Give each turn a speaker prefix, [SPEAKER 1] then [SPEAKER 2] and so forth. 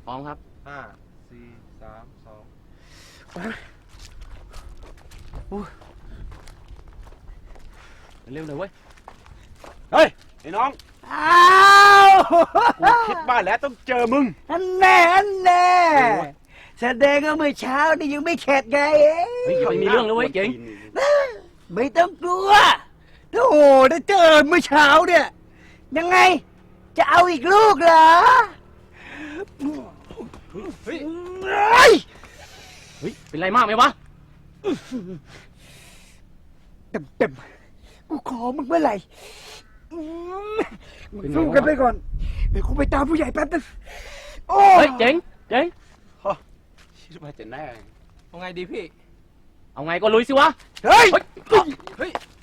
[SPEAKER 1] พร้อมครับ
[SPEAKER 2] 5 4 3 2
[SPEAKER 1] เร็วหน่อยเว้ย
[SPEAKER 2] เฮ้ยไอ้น้อง
[SPEAKER 3] อ้าว
[SPEAKER 2] กูคิดบ้านแล้วต้องเจอมึง
[SPEAKER 3] อันแน่อันแน่แสดงว่าเมื่อเช้านี่ยังไม่เข็ดไง
[SPEAKER 1] เฮ้ยอย่าไปมีเรื่องเลยเว้ยเจ๋ง
[SPEAKER 3] ไม่ต้องกลัวโอ้โหได้เจอเมื่อเช้าเนี่ยยังไงจะเอาอีกลูกเหรอ
[SPEAKER 2] เฮ้ย
[SPEAKER 3] เฮ้ย
[SPEAKER 1] เฮ้ยเป็นไรมากไหมวะ
[SPEAKER 3] เต็มกูขอมึงเมื่อไหร่มึงสู้กันไปก่อนเดี๋ยวกูไปตามผู้ใหญ่แป๊บนึงโอ้
[SPEAKER 1] เฮ้ยเจ๋ง
[SPEAKER 2] คิดว่าจะแน่
[SPEAKER 4] เอาไงดีพี่
[SPEAKER 1] เอาไงก็ลุยสิวะ
[SPEAKER 3] เฮ้ย
[SPEAKER 1] เฮ้ย
[SPEAKER 2] เฮ้ย